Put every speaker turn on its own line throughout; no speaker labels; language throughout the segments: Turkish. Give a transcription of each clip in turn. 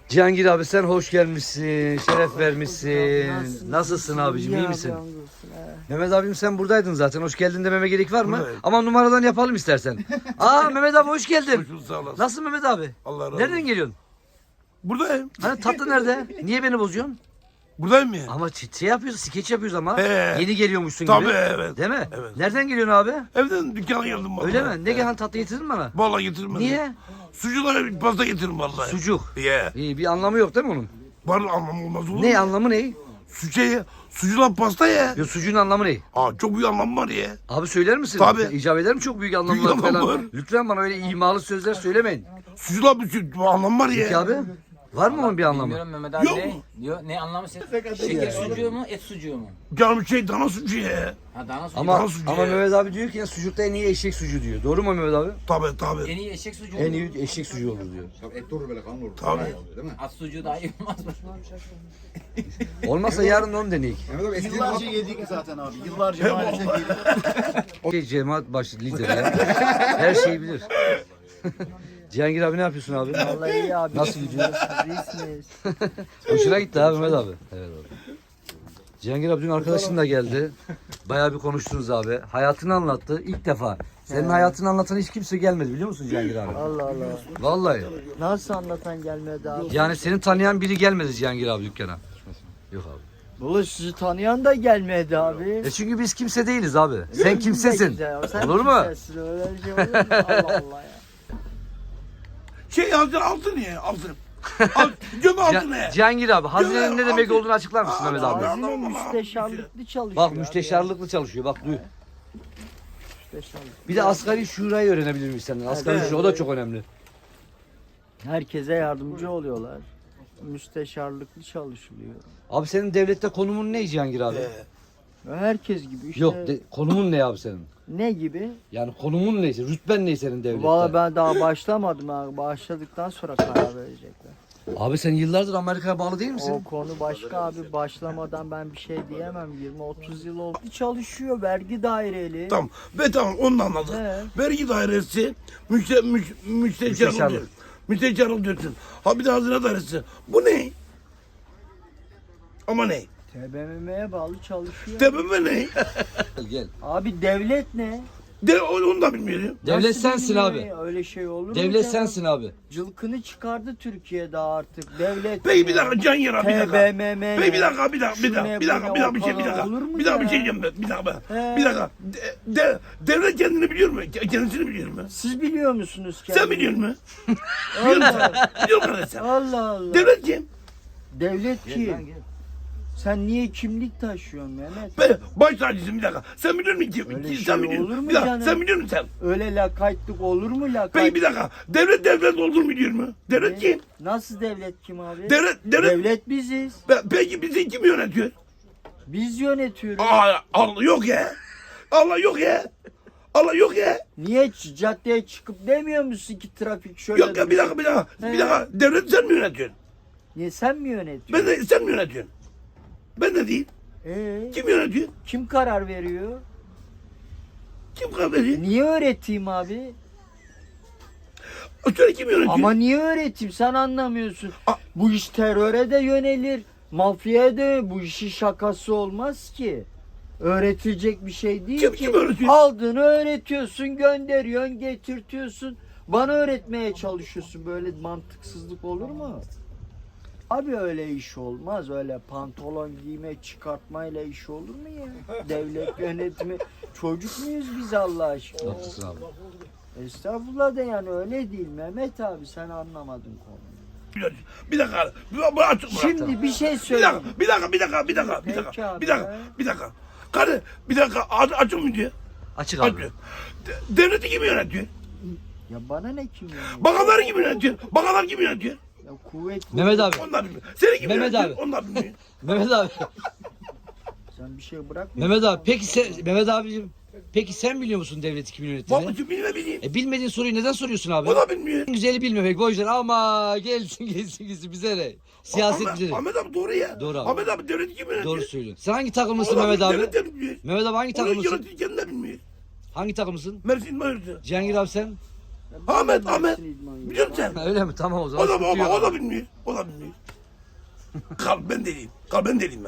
Cihangir abi sen hoş gelmişsin, şeref vermişsin. Nasılsın abicim, iyi misin? Mehmet abim sen buradaydın zaten. Hoş geldin dememe gerek var mı?
Buradayım.
Ama numaradan yapalım istersen. Aa Mehmet abi hoş geldin.
Hoş bulduk, sağ olasın.
Nasılsın Mehmet abi?
Allah razı
Nereden
olsun.
geliyorsun?
Buradayım.
Hani tatlı nerede? Niye beni bozuyorsun?
Buradayım ya.
Ama şey yapıyoruz, skeç yapıyoruz ama.
He.
Yeni geliyormuşsun
Tabii
gibi.
evet.
Değil mi?
Evet.
Nereden geliyorsun abi?
Evden dükkana geldim vallahi.
Öyle mi? Ne gelen tatlı getirdin bana?
Vallahi getirmedim.
Niye?
Sucuğuna bir pasta getirdim vallahi.
Sucuk.
Yeah.
İyi bir anlamı yok değil mi onun?
Var anlamı olmaz olur
Ne
mu?
anlamı ne?
Sucuğuna pasta ya.
Ya sucuğun anlamı ne?
Aa, çok büyük anlamı var ya.
Abi söyler misin?
Tabii.
İcap eder mi çok büyük anlamlar
Büyük anlam
falan?
var.
Lütfen bana öyle imalı sözler söylemeyin.
Sucuğuna bir anlamı var ya.
Peki abi? Var mı onun bir anlamı?
Bilmiyorum Mehmet abi
Yok.
ne? Diyor, ne anlamı şeker sucuğu mu, et sucuğu mu?
Canım dana sucuğu ya.
Ha dana sucuğu.
Ama
Dana sucuğu
ama
ya.
Mehmet abi diyor ki ya sucukta en iyi eşek sucuğu diyor. Doğru mu Mehmet abi?
Tabii.
En iyi eşek sucuğu
En
mu?
iyi eşek sucuğu olur diyor.
Tabii et durur böyle kan olur.
Tabii.
Değil mi?
At sucuğu daha iyi olmaz mı?
Olmazsa yarın da onu deneyik.
Mehmet abi yıllarca yedik zaten abi. Yıllarca maalesef yedik.
O cemaat başı lideri ya. Her şeyi bilir. Cihangir abi ne yapıyorsun abi?
Vallahi iyi abi.
Nasıl gidiyor?
İyisiniz.
Hoşuna gitti abi Mehmet abi. Evet abi. Cihangir abi dün arkadaşın da geldi. Bayağı bir konuştunuz abi. Hayatını anlattı ilk defa. Senin hayatını anlatan hiç kimse gelmedi biliyor musun Cihangir abi?
Allah Allah.
Vallahi.
Nasıl anlatan gelmedi abi?
Yani seni tanıyan biri gelmedi Cihangir abi dükkana. Yok abi.
Valla sizi tanıyan da gelmedi abi.
Çünkü biz kimse değiliz abi. Sen kimsesin.
Sen
Olur mu?
kimsesin, öyle şey olur mu? Allah Allah ya.
Altın ya altın. Göm altın ya.
Cihangir abi hazinenin ne demek
Abi.
olduğunu açıklar mısın Mehmet abi?
Hazine müsteşarlıklı çalışıyor.
Bak
abi
müsteşarlıklı çalışıyor bak duy.
ya. Müsteşarlık.
Bir de asgari şurayı öğrenebilir miyiz senden? Asgari
Evet.
şura o da çok önemli.
Herkese yardımcı oluyorlar. Müsteşarlıklı çalışılıyor.
Abi senin devlette konumun ne Cihangir abi?
Herkes gibi işte.
Yok konumun ne abi senin?
Ne gibi?
Yani konumun neyse, rütben ne senin devlette?
Valla ben daha başlamadım abi. Başladıktan sonra karar verecekler.
Abi sen yıllardır Amerika'ya bağlı değil
O
misin?
konu başka abi. Başlamadan ben bir şey diyemem. 20-30 yıl oldu. Çalışıyor vergi daireli.
Tamam. Ve tamam onu da anladım.
He.
Vergi dairesi müsteşarlık
Müsteşarlık.
diyor. Müsteşarlık diyorsun. Ha bir de hazine dairesi. Bu ne? Ama ne?
TBMM'ye bağlı çalışıyor.
Tepeme ne?
Gel.
Abi devlet ne?
Onu da bilmiyorum.
Devlet
Nasıl
sensin
bilmiyor
abi.
ya? Öyle şey olur mu?
Devlet
canım?
sensin abi.
Cılkını çıkardı Türkiye'de artık. Devlet
Peki bir
ne?
dakika can yara bir dakika.
TBMM
Peki bir
ne?
dakika bir dakika bir
Şu
dakika
ne,
bir dakika
bu
bir
ne,
dakika bir şey bir
o
dakika.
falan olur mu
Bir dakika bir
ya?
şey diyeceğim ben. Bir dakika.
He.
Bir dakika. Devlet kendini biliyor mu? Kendisini biliyor mu?
Siz biliyor musunuz
Sen
kendini?
biliyor musun? Biliyor musun? Biliyor musun sen?
Allah Allah.
Devlet kim?
Devlet kim? Sen niye kimlik taşıyorsun Mehmet?
Ben baş tacısın bir dakika. Sen biliyor musun kim?
Öyle
Sen
şey
biliyor
olur
musun?
mu
Bir dakika
canım?
sen biliyor musun sen?
Öyle lakaytlık olur mu lakayt?
Peki bir dakika. Devlet olur mu diyor mu? Devlet kim?
Nasıl devlet kim abi?
Devlet.
Devlet biziz.
Peki bizi kim yönetiyor?
Biz yönetiyoruz.
Allah yok ya. Allah yok ya. Allah yok ya.
Niye caddeye çıkıp demiyor musun ki trafik şöyle?
Yok ya bir dakika bir dakika.
He.
Bir dakika. Devlet sen mi yönetiyorsun?
Niye sen mi yönetiyorsun?
Ben de sen mi yönetiyorsun? Ben de değil. Kim yönetiyor?
Kim karar veriyor?
Kim karar veriyor?
Niye öğreteyim abi?
Söyle kim yönetiyor?
Ama niye öğreteyim sen anlamıyorsun.
A-
Bu iş teröre de yönelir. Mafyaya da bu işin şakası olmaz ki. Öğretilecek bir şey değil ki.
Kim öğretiyor?
Aldığını öğretiyorsun, gönderiyorsun, getirtiyorsun. Bana öğretmeye çalışıyorsun. Böyle mantıksızlık olur mu? Abi öyle iş olmaz. Öyle pantolon giyme, çıkartmayla iş olur mu ya? Devlet yönetimi. Çocuk muyuz biz Allah aşkına?
Haklısın abi.
Estağfurullah da yani öyle değil Mehmet abi sen anlamadın konuyu.
Bir dakika. Bu açık bırak.
Şimdi bir şey
Bir
söyleyeyim.
dakika. Bir dakika. Bir dakika. Bir dakika. Bir
Peki
dakika.
abi
Bir dakika.
ya.
Bir dakika. Karı bir dakika. Açık mı diyor?
Açık abi.
Açık. Devleti kim yönetiyor?
Ya bana ne kim ya?
Bakanlar kim yönetiyor? Bakanlar kim yönetiyor?
Ya kuvvet.
Mehmet abi.
Onlar bilmiyor. Seni kim
Mehmet
yönetiyor?
abi.
Onlar bilmiyor.
Mehmet abi.
Sen bir şey bırakmıyorsun.
Mehmet abi. Peki sen Mehmet abicim. Peki sen biliyor musun devleti kimin yönettiğini?
Babacığım bilmiyor.
Bilmediğin soruyu neden soruyorsun abi?
O da bilmiyor.
En güzeli bilmemek o yüzden ama gelsin bize ne? Siyaset bize ne?
Ahmet abi doğru ya.
Doğru abi.
Ahmet abi devleti kim yönetiyor?
Doğru söylüyorsun. Sen hangi takımlısın
O da
Mehmet abi?
devlet de bilmiyor.
Mehmet abi hangi
Onu
takımlısın?
yönetici kendi de bilmiyor.
Hangi takımlısın?
Mersin Mayır'da.
Cihangir abi sen?
Ahmet.
İdman
Biliyor musun sen?
Öyle mi? Tamam o zaman.
O da,
sıkıntı yok
o da
abi.
bilmiyor. O da bilmiyor. Ben deliyim. Ben deliyim.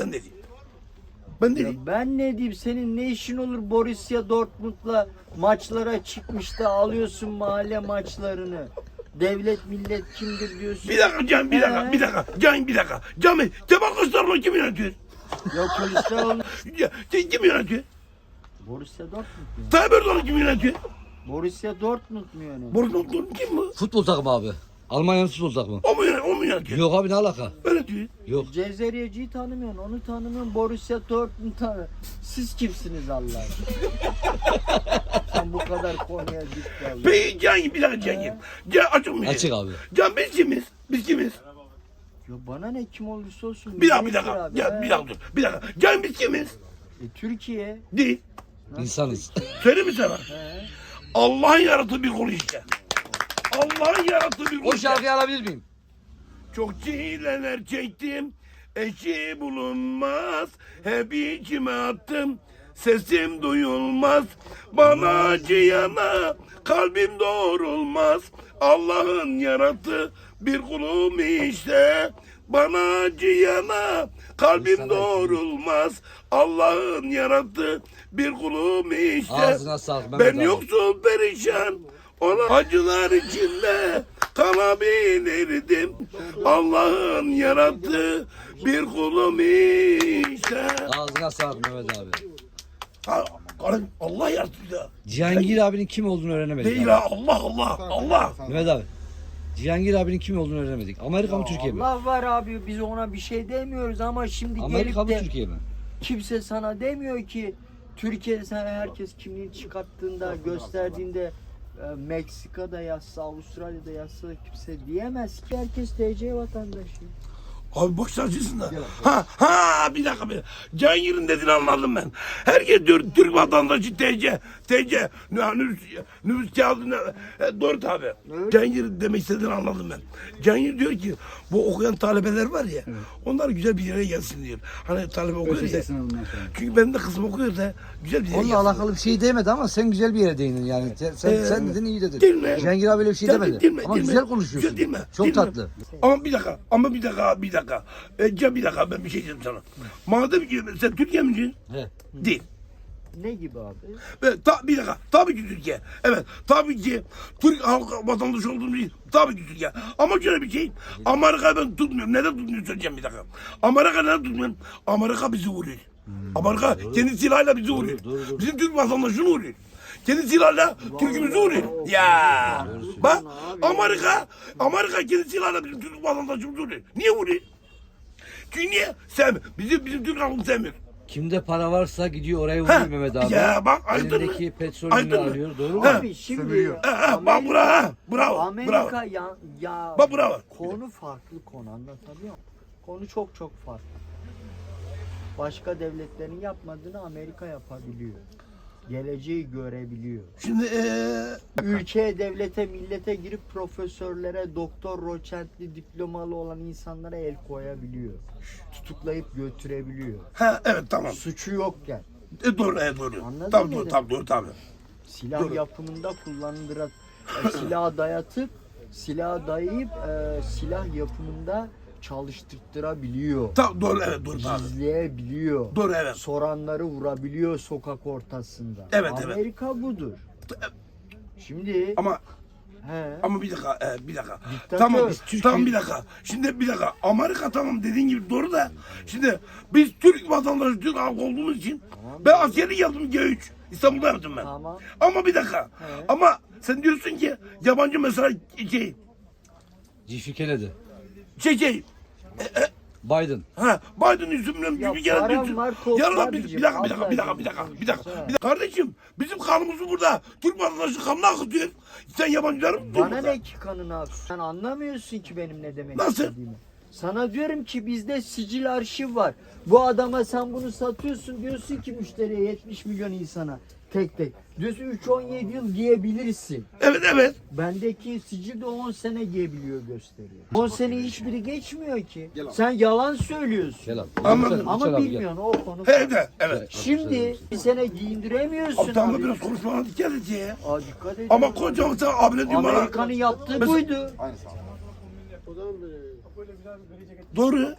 Ben deliyim.
Ben ne diyeyim, senin ne işin olur Borussia Dortmund'la maçlara çıkmış da alıyorsun mahalle maçlarını. Devlet millet kimdir diyorsun.
Bir dakika Can, bir dakika. Cami, Kemal Kılıçdaroğlu kim yönetiyor?
Ya Kılıçdaroğlu
Kim yönetiyor?
Borussia Dortmund mu?
Tayyip Erdoğan kim yönetiyor?
Borussia Dortmund mu yani?
Boris Johnson kim bu?
Futbol takımı abi. Almanya'nın futbol takımı.
O mu yönetiyor?
Yok abi ne alaka?
Öyle diyor.
Yok.
Cezeriyeci'yi tanımıyorsun, onu tanımıyorsun, Borussia Dortmund tanı. Siz kimsiniz Allah aşkına? Sen bu kadar konuya dik kaldın.
Peki Can, bir dakika Can. Can açık mı?
Açık abi.
Can biz kimiz?
Ya bana ne, kim olursa olsun.
Bir dakika.
millettir abi,
Ya,
he.
bir dakika dur. Bir dakika. Can biz kimiz?
Türkiye.
Değil.
İnsanız.
Söyle mi sana?
He.
Allah'ın yarattığı bir konu işte. Allah'ın yarattığı bir konu
O
işte.
şarkıyı alabilir miyim?
Çok çileler çektim, eşi bulunmaz. Hep içime attım, sesim duyulmaz. Bana acıyana kalbim doğrulmaz. Allah'ın yarattığı bir kulum işte. Bana acıyana kalbim doğrulmaz. Allah'ın yarattığı bir kulum işte.
Ağzına sağlık Mehmet
Ben
abi.
yoksul perişan, ona acılar içinde kalabilirdim. Allah'ın yarattığı bir kulum işte.
Ağzına sağlık Mehmet abi.
Allah yarattı ya.
Cihangir abinin kim olduğunu öğrenemedik.
Değil
abi.
ha, Allah.
Mehmet abi. Cihangir abinin kim olduğunu öğrenemedik. Amerika mı Türkiye mi?
Allah var abi, biz ona bir şey demiyoruz ama şimdi
Amerika mı
gelip de
Türkiye mi?
kimse sana demiyor ki Türkiye'de sen herkes kimliğini çıkarttığında, gösterdiğinde Meksika'da yazsa, Avustralya'da yazsa kimse diyemez ki herkes TC vatandaşı.
Abi boş tacısın da. Bir dakika. Cihangir'in dediğini anladım ben. Herkes diyor Türk vatandaşı TC. Nüfus kağıdı doğru tabi. Cihangir demek istediğini anladım ben. Cihangir diyor ki bu okuyan talebeler var ya. Onlar güzel bir yere gelsin diyor. Hani talebe okuyor ya. Çünkü benim de kızım okuyor da güzel bir yere
Onunla
gelsin.
alakalı bir şey demedi ama sen güzel bir yere değindin yani. Sen dedin iyi dedin.
Değil mi?
Cihangir abi öyle bir şey
Değil mi?
demedi.
Değil mi?
Ama
Değil mi?
güzel konuşuyorsun.
Güzel değil mi?
Çok
Değil mi?
tatlı.
Ama bir dakika. Can bir dakika ben bir şey diyeceğim sana. Madem ki sen Türkiye misin?
He.
Değil.
Ne gibi abi?
Bir dakika. Tabii ki Türkiye. Evet. Tabii ki Türk halk vatandaşı olduğum için tabii ki Türkiye. Ama şöyle bir şey. Amerika ben tutmuyorum. Neden tutmuyorum söyleyeceğim bir dakika. Amerika neden tutmuyorum? Amerika bizi vuruyor. Amerika kendi silahıyla bizi vuruyor. Bizim Türk vatandaşını vuruyor. Kendi silahıyla Türk'ümüzü vuruyor. Ya. Bak Amerika kendi silahıyla bizim Türk vatandaşımızı vuruyor. Niye vuruyor? Çünkü niye? Sevmiyor. Bizim Türk halkını sevmiyor.
Kimde para varsa gidiyor oraya vuruyor Mehmet abi.
Ya bak aydın mı?
Elindeki petrolünü
Aydın mı?
alıyor. Doğru mu?
Abi şimdi
Bak bravo.
Amerika
Bravo.
ya
Bak bravo.
konu farklı, konu anlatabiliyor muyum? Konu çok farklı. Başka devletlerin yapmadığını Amerika yapabiliyor. Geleceği görebiliyor.
Şimdi
Ülkeye, devlete, millete girip profesörlere, doktor, doçentli, diplomalı olan insanlara el koyabiliyor. Tutuklayıp götürebiliyor.
evet tamam.
Suçu yokken.
Doğru.
Anladın mı?
Tabii.
Silah
Doğru.
yapımında kullanıldıran silah dayayıp silah yapımında çalıştırtırabiliyor.
Doğru tabii.
İzleyebiliyor.
Doğru evet.
Soranları vurabiliyor sokak ortasında.
Evet.
Amerika budur. Şimdi
Ama bir dakika.
Diktatör.
Tamam bir dakika. Şimdi bir dakika. Amerika tamam dediğin gibi doğru da. Şimdi biz Türk vatandaşı, Türk halkı olduğumuz için ben askerlik yaptım G3. İstanbul'da yaptım ben.
Tamam.
Ama bir dakika. Ama sen diyorsun ki yabancı mesela
G.F. Kennedy. Biden.
Biden yüzümden
Ya
gibi gelen
param
diyorsun.
var, top
Ya
var
bir
diyeceğim.
dakika. Kardeşim bizim kanımızı burada Türk vatandaşı kanını akıtıyor. Sen yabancıları mı tutuyorsun
Bana
burada?
ne ki kanını ak? Sen anlamıyorsun ki benim ne demek
Nasıl?
istediğimi. Sana diyorum ki bizde sicil arşiv var. Bu adama sen bunu satıyorsun, diyorsun ki müşteriye 70 milyon insana. Tek tek. Diyorsun 3-17 yıl giyebilirsin.
Evet.
Bendeki sicil de 10 sene giyebiliyor gösteriyor. 10 sene hiçbiri geçmiyor ki. Sen yalan söylüyorsun.
Gel abi.
Anladım.
Ama bilmiyorsun o konu.
Evet.
Şimdi bir sene giyindiremiyorsun
Abi tamam
abi.
biraz konuşmana dikkat et ya.
Aa, dikkat edin.
Ama kocam sen abine diyor bana.
Amerika'nın yaptığı buydu.
Doğru.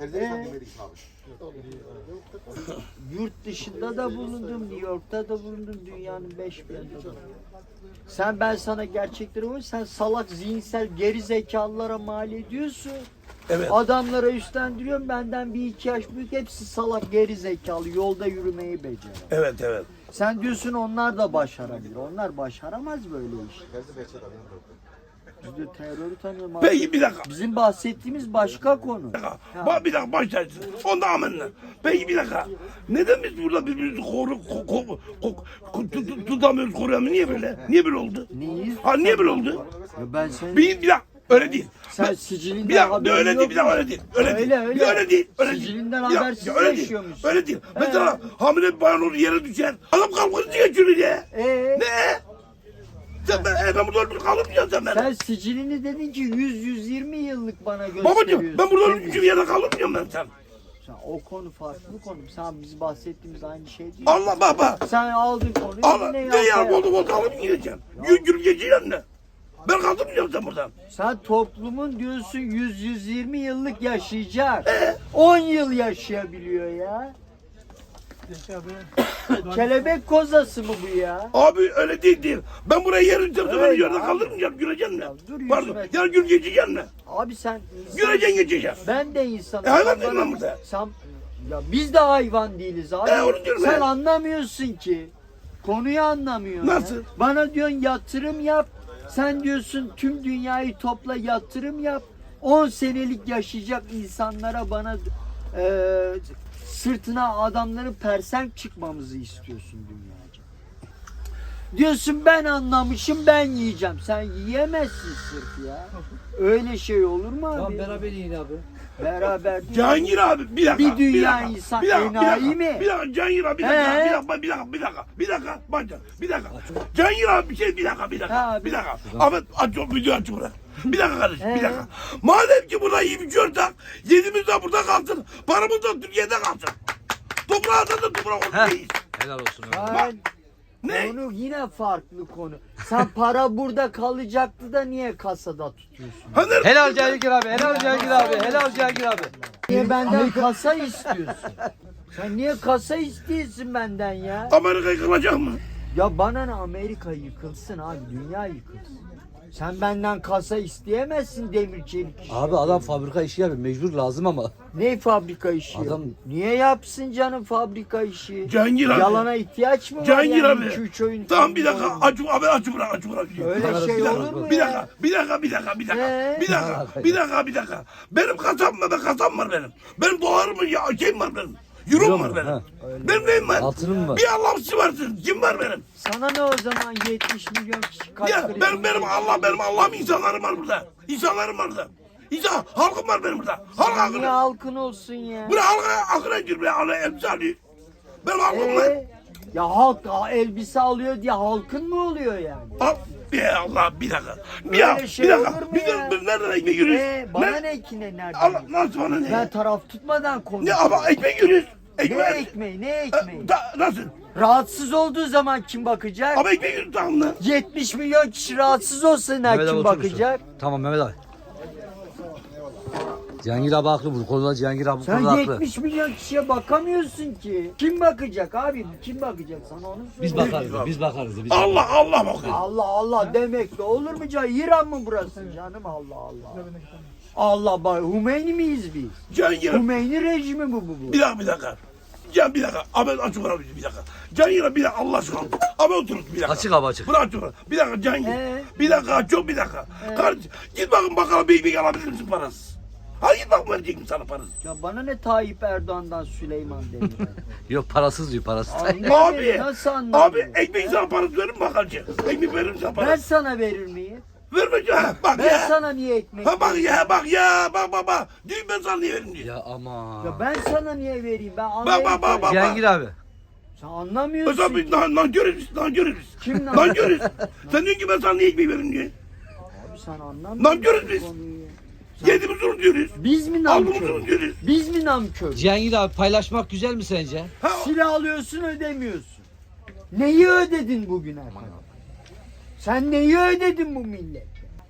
Yurt dışında da bulundum, New York'ta da bulundum, dünyanın 5 bir yanında da. Ben sana gerçekleri koy, sen salak zihinsel geri zekalılara mal ediyorsun.
Evet.
Adamlara üstlendiriyorum, benden bir iki yaş büyük, hepsi salak geri zekalı, yolda yürümeyi becerir.
Evet.
Sen diyorsun onlar da başarabilir, onlar başaramaz böyle iş. Biz de terörü tanıyorum abi.
Peki bir dakika.
Bizim bahsettiğimiz başka konu.
Bak bir dakika başlarsın. Onda amenna. Peki bir dakika. Neden biz burada birbirimizi tutamıyoruz, koruyamıyoruz? Niye böyle? Niye böyle oldu?
Neyiz?
Ha niye böyle oldu?
Ya ben senin...
Bir dakika. Öyle değil.
Sen sicilinden
Bir dakika
haberin
öyle
yok
değil, bir dakika
mu?
öyle değil. Öyle değil.
Öyle.
Bir de öyle değil. Öyle değil.
Sicilinden
Bir dakika,
habersiz
öyle değil.
yaşıyormuşsun.
Öyle değil. Mesela hamile bir bayan olur yere düşer. Adam kalkıp geçiyor ya. Ne? Ben burada ölmüş kalırmayacağım sen bana.
Sen sicilini dedin ki 100-120 yıllık bana gösteriyorsun.
Babacım ben burada ölmüş bir yerde kalırmayacağım ben sen.
Sen, o konu farklı konu. Sen biz bahsettiğimiz aynı şey değil.
Allah baba.
Sen aldın konuyu
Allah
yine
ne ya
yapmaya-
oldu alıp gideceğim. Yürü geçeceğim ne? Ben kaldırmayacağım sen buradan.
Sen toplumun diyorsun 100-120 yıllık yaşayacak. 10 yıl yaşayabiliyor ya. Kelebek kozası mı bu ya?
Abi öyle değil. Ben buraya yer yüzeceğim. Sen beni
Öyle
yerde
abi.
kaldırmayacağım. Güleceksin ne?
Ya dur
Pardon.
yüzüme.
Ya gül geçeceğim ne?
Abi sen insan...
Güleceksin geçeceğim.
Ben de insanım.
hayvan
Sen
değilim
bana-
ben burada.
Sen... Ya biz de hayvan değiliz abi.
Onu diyorum
Sen
ben.
anlamıyorsun ki. Konuyu anlamıyorsun.
Nasıl?
Ya. Bana diyorsun yatırım yap. Sen diyorsun tüm dünyayı topla yatırım yap. 10 senelik yaşayacak insanlara bana sırtına adamların persenk çıkmamızı istiyorsun dünyaca. Diyorsun ben anlamışım ben yiyeceğim. Sen yiyemezsin sırf ya. Öyle şey olur mu abi?
Tamam beraber yiyin abi.
Beraber değil.
Cihangir abi bir dakika.
Bir dünya
dakika,
insan
bir dakika,
enayi mi?
Bir dakika Cihangir abi bir dakika. Bir dakika. Cihangir abi bir dakika.
Ha,
Bir dakika. Ahmet aç o videoyu aç bırak. Bir dakika kardeşim bir
He.
dakika. Madem ki burada yiyip içiyorsak yediğimiz de burada kalsın. Paramız da Türkiye'de kalsın. Toprağa da toprak olsun.
Helal olsun.
Ben,
Ne?
konu yine farklı konu. Sen para burada kalacaktı da niye kasada tutuyorsun?
Helal Cihangir abi. Helal Cihangir abi. Helal Cihangir abi.
Niye benden kasa istiyorsun? Sen niye kasa istiyorsun benden ya?
Amerika yıkılacak mı?
Ya bana ne Amerika yıkılsın abi, dünya yıkılsın. Sen benden kasa isteyemezsin demir çelik işi.
Abi adam fabrika işi yapıyor. Mecbur lazım ama.
Ne fabrika işi?
Adam-
Niye yapsın canım fabrika işi?
Cihangir abi.
Yalana ihtiyaç mı var
Cihangir
yani
abi.
2-3 oyun?
Tamam bir dakika
oyun-
aç bırak.
Öyle
Bana
şey
bir dakika,
olur mu
Bir
ya?
dakika. Benim kasam mı? Kasam var benim. Benim dolarım mı? Ya şeyim var benim. Euro
Euro
var
mu?
benim.
Ha.
Benim neyim var?
Altınım var.
Bir Allah'ım varsın. Kim var benim?
Sana ne o zaman 70 milyon kişi kalp
Ya
krizi
benim Allah'ım insanlarım var burada. İnsanlarım var burada. Halkım var benim burada. Halk
Niye
akını.
halkın olsun ya?
Bu ne halka akına gir be. Allah elbise alıyor. Benim halkım var.
Ya halk elbise alıyor diye halkın mı oluyor yani?
Al. Ya Allah bir dakika.
Öyle şey olur mu ya?
Biz nereden ekmek yürüyoruz?
Bana ne ki ne nereden?
Allah nasıl bana ne?
Ben taraf tutmadan
Ne
konuşuyorum.
ama ekmek yürüyoruz.
Ne
Ekmek.
ekmeği ne ekmeği?
Nasıl?
Rahatsız olduğu zaman kim bakacak?
Ama ekmek yürüyoruz tamam mı?
70 milyon kişi rahatsız olsa
Mehmet abi
kim
oturursun.
bakacak?
Tamam Mehmet abi. Cihangir abi haklı bu konuda. Cihangir abi bu
Sen
konuda haklı.
70 milyon kişiye bakamıyorsun ki. Kim bakacak abi? Kim bakacak sana onu söyle.
Biz bakarız. Biz bakarız.
Allah bakıyor.
Allah Allah demek de olur mu canım? İran mı burası canım? Allah Allah. Allah bak Hümeyni miyiz biz?
Cihangir.
Hümeyni rejimi bu.
Bir dakika. Can bir dakika. Ahmet açık ara bir dakika. Cihangir bir dakika Allah aşkına. Ahmet oturun bir dakika.
Açık abi açık.
Bırak açık ara. Bir dakika Cihangir. Bir dakika. Kardeşim git bakın bakalım bir ekmek alabilir misin parası? Hadi git bakın verecek mi sana parası?
Ya bana ne Tayyip Erdoğan'dan Süleyman Demirel.
Yok parasız diyor parasız.
Abi.
Nasıl anladın?
Abi ekmek sana parası verir mi bakalım? Ekmek verir mi sana
Ben
parası?
sana verir miyim?
Verme canım. Bak
Ben
ya.
sana niye ekmek
Ha bak ya. Bak. Diyor ben sana niye vereyim diyor.
Ya ama.
Ya ben sana niye vereyim? Ben
Bak.
Amerika'yım.
Cihangir abi.
Sen anlamıyorsun
Mesela
ki.
biz nankörüz biz, nankörüz biz.
Kim lan?
Nankörüz. Sen diyorsun ki ben sana niye ekmeği veririm diye.
Abi sen anlamıyorsun.
Nankörüz biz.
bu konuyu.
Yediğimiz onu diyoruz.
Biz mi
Aldığımız
nankör?
onu diyoruz.
Biz mi nankör?
Cihangir abi paylaşmak güzel mi sence?
Ha,
Silah alıyorsun ödemiyorsun. Neyi ödedin bugüne kadar? Sen neyi ödedin bu millete?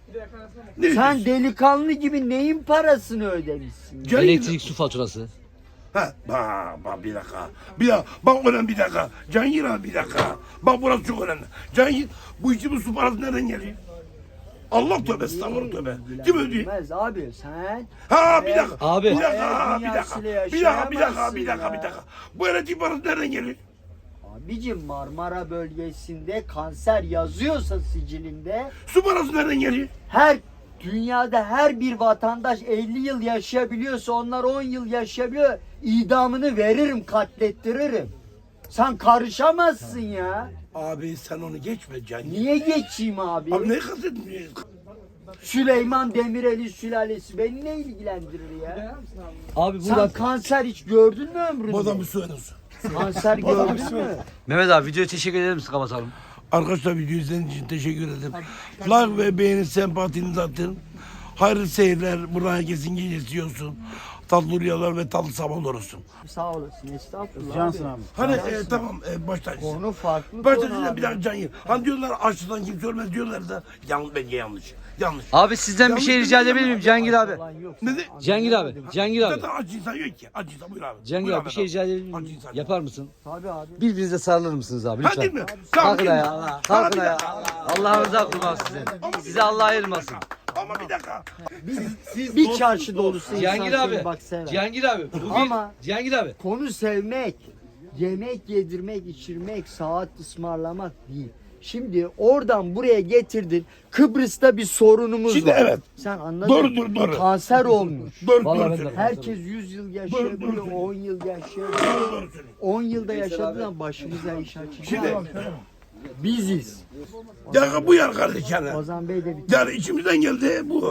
ne
Sen
diyorsun?
delikanlı gibi neyin parasını ödemişsin?
Cihangir-
Elektrik su faturası.
Ha, bak bir dakika. Bir dakika. Bak önemli bir dakika. Cihangir abi bir dakika. Bak burası çok önemli. Cihangir bu içimiz su parası nereden geliyor? Allah tövbe estağfurullah tövbe. Kim ödüyor?
Bilmez abi sen.
Ha bir dakika.
Abi.
Bir dakika.
Hayal
Bir dakika.
dünyasıyla
Bir dakika. Bir dakika.
yaşayamazsın
Bir dakika.
ya.
Bir dakika. Bu elektrik parası nereden geliyor?
Abicim Marmara bölgesinde kanser yazıyorsa sicilinde
Su parası nereden geliyor?
her dünyada her bir vatandaş 50 yıl yaşayabiliyorsa onlar 10 yıl yaşayabiliyor. İdamını veririm, katlettiririm. Sen karışamazsın ya.
Abi sen onu geçme Cihangir.
Niye geçeyim abi?
Abi ne kastetmiyorsun?
Süleyman Demirel'in sülalesi beni ne ilgilendirir ya?
Abi
Sen
burada
kanser hiç gördün mü ömründe?
Bu adam bir su verirsin.
Kanser gördün mü?
Mehmet abi videoya teşekkür eder misin, kapatalım?
Arkadaşlar video izlediğiniz için teşekkür ederim. Like ve beğeni sempatinizi atın. Hayırlı seyirler. Buradan herkesin gecesi olsun. Tatlı rüyalar ve tatlı sabahlar olsun.
Sağ olasın, estağfurullah.
Cansın abi.
Hani tamam baştan.
Konu farklı
Baştan
konu
size
abi.
bir dakika can yer. Hani diyorlar açlıktan kimse ölmez diyorlar da bence yanlış. Yanlış.
Abi sizden bir şey rica edebilir miyim Cihangir abi?
Falan yok.
Ne de?
Cihangir abi, Cihangir abi.
Zaten aç insan yok ki. Aç insan buyur abi.
Cihangir
Buyur
abi bir şey rica edebilir
Aç
miyim?
insan.
Yapar mısın?
Tabii abi.
Birbirinize sarılır mısınız abi
Ha değil
lütfen?
mi? Tamam,
Kalkın
değil mi?
ayağa. Kalkın ayağa. Allah'ınıza kurban size. Size Allah ayırmasın.
Ama bir dakika.
Bir çarşı dolusu
Cihangir
insan
abi.
seni bak sever.
Cihangir abi. Bu bir.
Ama-
Cihangir abi.
Konu sevmek, yemek yedirmek, içirmek, saat ısmarlamak değil. Şimdi oradan buraya getirdin. Kıbrıs'ta bir sorunumuz
Şimdi
var.
evet.
Sen anladın.
Doğru, doğru.
Kanser olmuş.
Doğru
Vallahi
doğru
ben de-
söylüyorsun.
Herkes 100 yıl yaşayabiliyor,
Doğru, doğru.
10 yıl yaşayabiliyor.
Doğru söylüyorsun.
10 yılda yaşadığından başımıza iş açacak.
Şimdi
Biziz.
ya bu yer kardeş yani.
Ozan Bey de bir
Yani içimizden geldi bu.